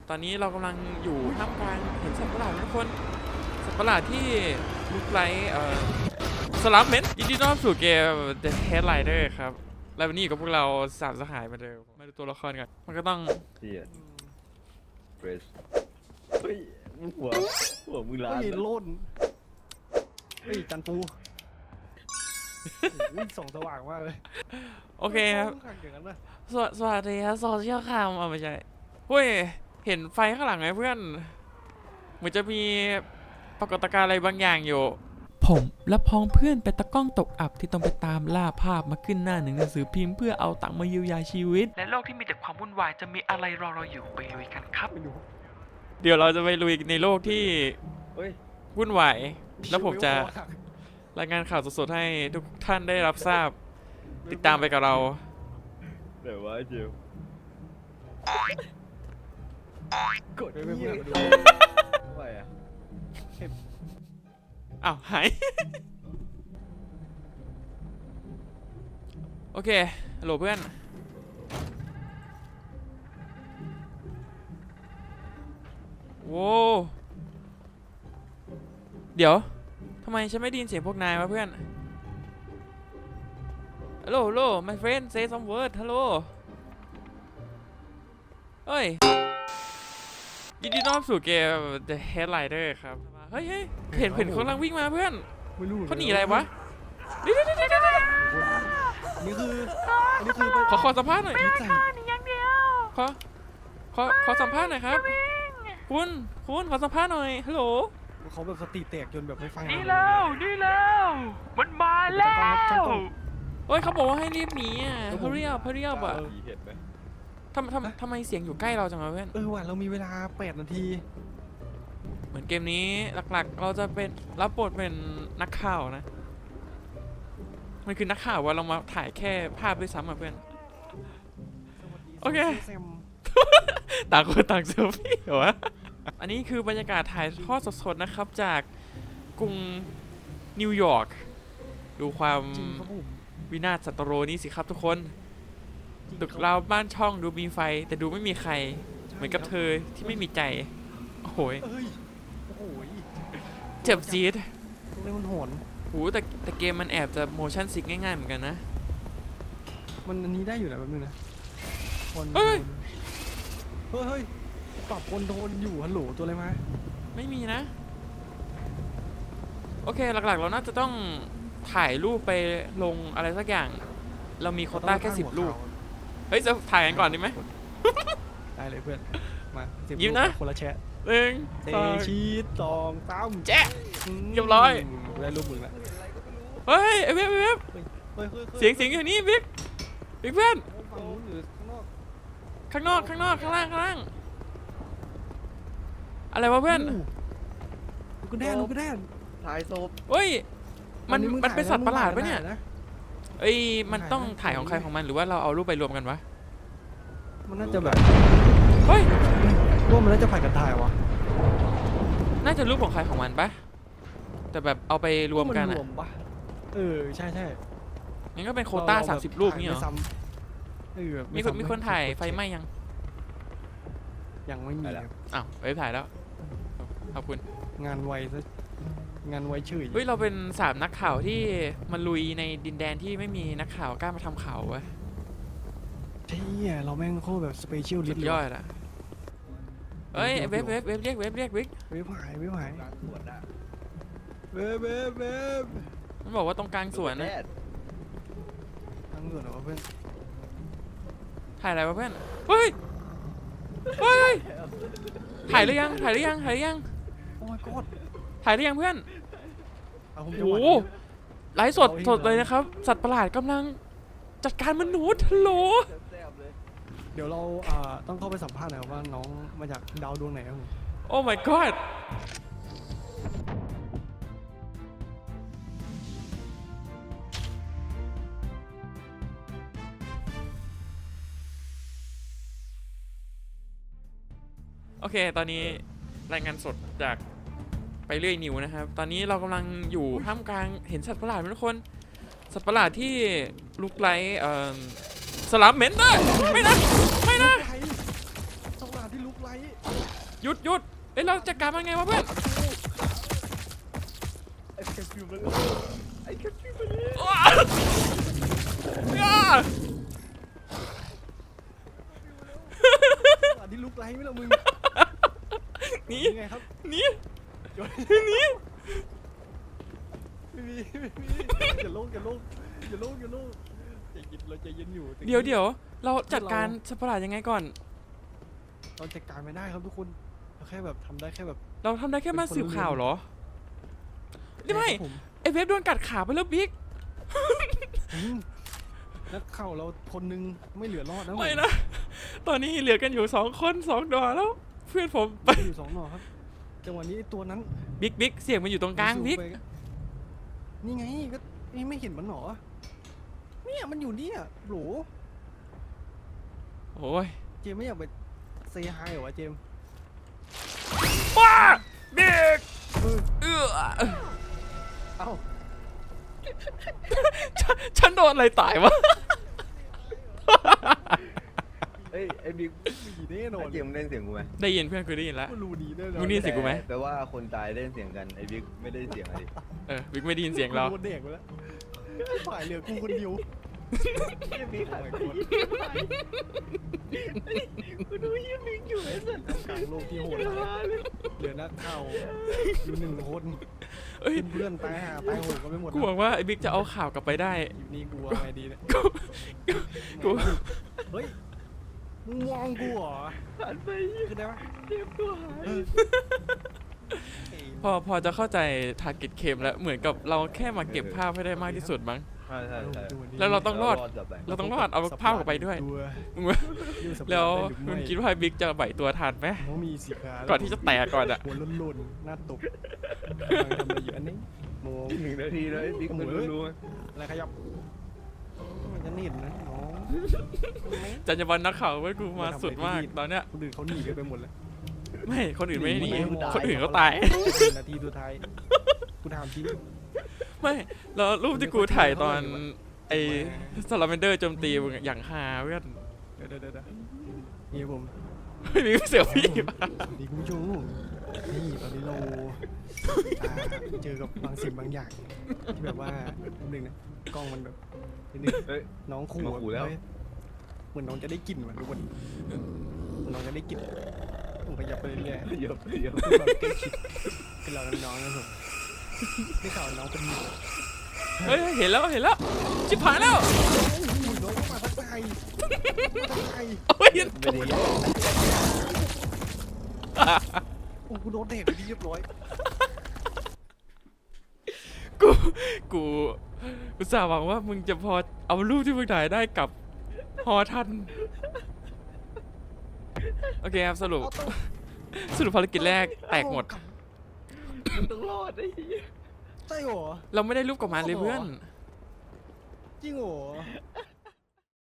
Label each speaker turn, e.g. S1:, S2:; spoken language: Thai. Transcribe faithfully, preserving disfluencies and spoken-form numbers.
S1: ตอนนี้เรากำลังอยู่ท่ามกลางเห็นสัตว์ประหลาดทุกคนสัตว์ประหลาดที่ลุกไล่เอ่อสลัมเมนยินดีต้อนรับสู่เกม The Headlider ครับและวันนี้อยู่กับพวกเราสามสหายมาเดิมมาดูตัวละครกันมันก็ต้อง
S2: เฮียเฟรชเฮ้ยมึงหัวหัวมึงล้าน
S3: เฮ้ยโล่นเฮ้ยจันปูวิ่งส่องสว่างมากเลย
S1: โอเคครับ
S3: อย่างนั้นนะ
S1: สวสวัสดีครับโซเชียลคามเอาไม่ใช่เฮ้ยเห็นไฟข้างหลังไหมเพื่อนเหมือนจะมีปรากฏการณ์อะไรบางอย่างอยู่ผมและพ้องเพื่อนเป็นตะก้องตกอับที่ต้องไปตามล่าภาพมาขึ้นหน้าหนึ่งหนังสือพิมพ์เพื่อเอาตังค์มาเยียวยาชีวิตในโลกที่มีแต่ความวุ่นวายจะมีอะไรรอเราอยู่ไปลุยกันครับเดี๋ยวเราจะไปลุยในโลกที่วุ่นวายแล้วผมจะรายงานข่าวสดๆให้ทุกท่านได้รับทราบติดตามไปกับเรา
S2: เดี๋ยวว่าเจียวกด
S3: ไม่ไม่ไม่ดู
S2: ไปอ่ะ
S1: อ้าวหาย โอเคฮัลโหลเพื่อนโว้เดี๋ยวทำไมฉันไม่ได้ยินเสียงพวกนายวะเพื่อนฮัลโหลฮัลโหล my friend say some word ฮัลโหลเฮ้ยยินดีต้อนรับสู่เกม The Headlider ครับเฮ้ยเฮ้ยเห็นเห็นเขากำลังวิ่งมาเพื่อนเขาหนีอะไรวะนี่นี่นี่นี่
S3: นี่คืออันนี้คือ
S1: ขอขอสัมภาษณ์หน่อย
S3: ไม่
S4: ฆ่าหนีอย่างเดียว
S1: ขอขอขอสัมภาษณ์หน่อยครับคุณคุณขอสัมภาษณ์หน่อยฮัลโหล
S3: เขาแบบสติแตกจนแบบไม่ฟัง
S4: นี่แล้วนี่แล้วมันมาแล้ว
S1: เฮ้ยเขาบอกว่าให้รีบหนีอ่ะเฮเรียบเฮเรียบอ่ะ
S2: เห็นไหม
S1: ทำทำทำไมเสียงอยู่ใกล้เราจังวะเพื่อน
S3: เออว่ะเรามีเวลาแปดนาที
S1: เหมือนเกมนี้หลักๆเราจะเป็นรับบทเป็นนักข่าวนะมันคือนักข่าวว่าเรามาถ่ายแค่ภาพด้วยซ้ำอ่ะเพื่อนโอเคต่างคนต่างเซลฟี่เหรอวะอันนี้คือบรรยากาศถ่ายทอดสดๆนะครับจากกรุงนิวยอร์กดูความวินาศสันตโรนี้สิครับทุกคนตึกราวบ้านช่องดูมีไฟแต่ดูไม่มีใครเหมือนกับเธอที่ไม่มีใจโอ้โหเจ็บจี๊ด
S3: เล่นมันโหน
S1: โอ้แต่แต่เกมมันแอบจะโมชั่นซิกง่ายๆเหมือนกันนะ
S3: มันอันนี้ได้อยู่นะแป๊บนึงนะ
S1: เฮ้ย
S3: เฮ้ยเฮ้ยปรับคนโดนอยู่ฮัลโหลตัวอะไรมา
S1: ไม่มีนะโอเคหลักๆเราน่าจะต้องถ่ายรูปไปลงอะไรสักอย่างเรามีโควต้าแค่สิบรูปเฮ้ยจะถ่ายกันก่อนดีไหม
S3: ได้เลยเพื่อนมา
S1: ยิ้มนะ
S3: คนละแชะ
S1: หนึ่ง
S3: สองชีสสองสาม
S1: แจ๊ะเรียบร้อย
S3: ได้รูปมึงละ
S1: เฮ้ยไอ้เว็บเว็บเสียงเสียงอยู่นี่บิ๊กบิ๊กเพื่อนข้างนอกข้างนอกข้างล่างข้างล่างอะไรวะเพื่อน
S3: ลูกกระแดนลูกกระแดน
S2: ถ่ายศพ
S1: เฮ้ยมันมันเป็นสัตว์ประหลาดปะเนี่ยเอ้ยมันต้องถ่ายของใครของมันหรือว่าเราเอารูปไปรวมกันวะ
S3: มันน่าจะแบบ
S1: เฮ้ย
S3: ว่ามันน่าจะผ่านกันถ่ายวะ
S1: น่าจะรูปของใครของมันปะแต่แบบเอาไปรวมกันอะ
S3: เออใช่ใช่
S1: งั้นก็เป็นโควต้าสามสิบรูปนี่เหรอมีคนมีคนถ่ายไฟไหม้ยัง
S3: ยังไม่มี
S1: อ้าวไปถ่ายแล้วขอบคุณ
S3: งานไวซะงานไวเฉย
S1: เฮ้ยเราเป็นสามนักข่าวที่มาลุยในดินแดนที่ไม่มีนักข่าวกล้ามาทำข่าววะ
S3: ใช่เราแม่งโคตรแบบสเปเชียลลิสต์
S1: ยอดอะเฮ้ยเว็บเว็บเว็บเรียกเว็บเรียกวิก
S3: เว็บหายเว็บหายเว็บเว็บเว็บ
S1: มันบอกว่าตรงกลางสวนนะ
S3: กลางสวนเหรอเพื่อน
S1: ถ่ายอะไรวะเพื่อนเฮ้ยเฮ้ยถ่ายหรือยังถ่ายหรือยังถ่ายหรือยัง
S3: โอ้ยกอด
S1: ถ่ายหรือยังเพื่อนโอ้โหไลฟ์สดสดเลยนะครับสัตว์ประหลาดกำลังจัดการมนุษย์ฮัลโหล
S3: เดี๋ยวเราต้องเข้าไปสัมภาษณ์หน่อยว่าน้องมาจากดาวดวงไหนครับ
S1: โอ้ my god โอเคตอนนี้รายงานสดจากไปเรื่อยนิวนะครับตอนนี้เรากำลังอยู่ท่ามกลางเห็นสัตว์ประหลาดทุกคนสัตว์ประหลาดที่ลุกไล่เอ่อสลัมเมนได้ไม่นะไม่นะ
S3: สัตว์ประหลาดที่ลุกไล่
S1: หยุดหยุดเอ้ยเราจัดการมันไงวะเพื่อน
S2: ไอ้แคปฟิวมันไอ้แคปฟิวมันเลย
S1: อ้าอ้า
S3: อันนี้ลุกไล่ไม่ละมึง
S1: หนี
S3: ยังไงครับ
S1: หนี
S3: โยน
S1: หนี
S3: ไม่มีไม่มีอย่าโลกอย่าโลกอย่าโลกอย่าโลกใจเย็นเราใจเย็นอยู่
S1: เดี๋ยวเดี๋ยวเราจัดการสัตว์ประหลาดยังไงก่อน
S3: เราจัดการไม่ได้ครับทุกคนเราแค่แบบทำได้แค่แบบ
S1: เราทำได้แค่มาสืบข่าวเหรอนี่ไม่
S3: ครับผม
S1: ไอเวฟโดนกัดขาไปแล้วบิ๊ก
S3: อืมนักข่าวเราคนนึงไม่เหลือรอดนะ
S1: ไม่นะ ตอนนี้เหลือกันอยู่สองคนสองดอแล้ว เพื่อนผมไป
S3: ไปอยู่สองหน่อครับจังหวะนี้ไอ้ตัวนั้น
S1: บิ๊กบิ๊กเสียงมันอยู่ตรงกลางบิ๊ก
S3: ไปนี่ไงก็นี่ไม่เห็นมันหรอเนี่ยมันอยู่เนี่ยโหล
S1: โอ้ย
S3: เจมไม่อยากไปเซฮายเหรอวะเจม
S1: ว้าบิ๊ก
S3: เออ
S1: เอื้อ
S3: เอ้า
S1: ฉันฉันโดนอะไรตายวะ
S2: เอ้ยไอ้บิ๊ก
S3: มีแน่นอน
S2: ไอ้เจมส์เล่นเสียงกูไหม
S1: ได้ยินเพื่อนกูได้ยินแล้ว
S3: กูรู้ดีแน่นอน
S1: มึงนี่ เสียงกูไหม
S2: แปลว่าคนตายเล่นเสียงกันไอ้บิ๊กไม่ได้เสียงอะไร
S1: เออบิ๊กไม่ได้ยินเสียงเรา
S3: กูโดนเด็กไปแล้วฝ่ายเหลือกูคนเดียว
S2: ไอ้บิ๊กหายไป
S3: กูดูยี่บิ๊กอยู่ไอ้สัตว์กลางโลกที่โหดร้ายเหลือนักข่าวอยู่หนึ่งคน
S1: เอ้ย
S3: เพื่อนๆตายหาตายโหดกันไปหมด
S1: กูหวังว่าไอ้บิ๊กจะเอาข่าวกลับไปได้
S3: อยู่นี่กูว่าไงดีเนี่ย
S1: กู
S3: เฮ้ยมึงมองกูเหรอ
S2: หันไป
S3: คือได้ปะ
S2: เจมส์ตัวหาย
S1: พอพอจะเข้าใจทาร์เก็ตเคมแล้วเหมือนกับเราแค่มาเก็บภาพให้ได้มากที่สุดมั้ง
S2: ใช่ใช่ใช่
S1: แล้วเราต้องรอด
S2: กลับไป
S1: เราต้องรอดเอาภาพกลับไปด้วย มึงว่าแล้วมึงคิดว่าบิ๊กจะไหวตัวทันไหม
S3: ต้องมีสีขา
S1: ก่อนที่จะแตกก่อนอะ
S3: หัวล้นๆหน้าตบกำลังทำอะไรอยู่อันนี้มอง
S2: หนึ่งนาทีแล้วไอ้บิ๊กมันรู้ไหม
S3: อะไรขยับมันจะเห็นนะน้อง
S1: จันยบันนักข่าวไว้กูมาสุดมากตอนเนี้ย
S3: คนอื่นเขาหนีกันไปหมดแล้ว
S1: ไม่คนอื่นไม่หนีคนอื่นเขาตาย
S3: นาทีสุดท้ายกูถามจริง
S1: ไม่แล้วรูปที่กูถ่ายตอนไอ้ซาลาเมนเดอร์โจมตีมึงอะอย่างฮาเพื่อน
S3: เดี๋ยวเดี๋ยวเดี๋ยวนี่ผม
S1: ไม่มีเสียพี่ปะ
S3: สวัสดีคุณผู้ชมนี่ตอนนี้เราอ่าเจอกับบางสิ่งบางอย่างที่แบบว่าหนึ่งนะกล้องมันแบบนิดนึง
S2: เฮ้ย
S3: น้องขู่
S2: มาขู่แล้ว
S3: เฮ้ยเหมือนน้องจะได้กลิ่นเหมือนทุกคนเหมือนน้องจะได้กลิ่นผมขยับไปเรื่อยๆ
S2: เยอะเยอะ
S3: แบบใกล้ชิดคือเรากับน้องนะผมได้ข่าวน้องเป็นหมู
S1: เฮ้ยเห็นแล้วเห็นแล้วชิบหายแล้ว
S3: อุ้ยน้องมาทักทายมาทักทาย
S1: โอ้ย
S2: ไม่ได้
S3: โอ้โหโดนเด็กไปที่เรียบร้อย
S1: กูกูอุตส่าห์หวังว่ามึงจะพอเอารูปที่มึงถ่ายได้กลับฮอทันโอเคครับสรุปสรุปภารกิจแรกแตกหมด
S2: มันต้องรอดไอ้เหี้ย
S3: ใช่หรอ
S1: เราไม่ได้รูปกลับมาเลยเพื่อน
S3: จริงหรอ
S2: ไอ้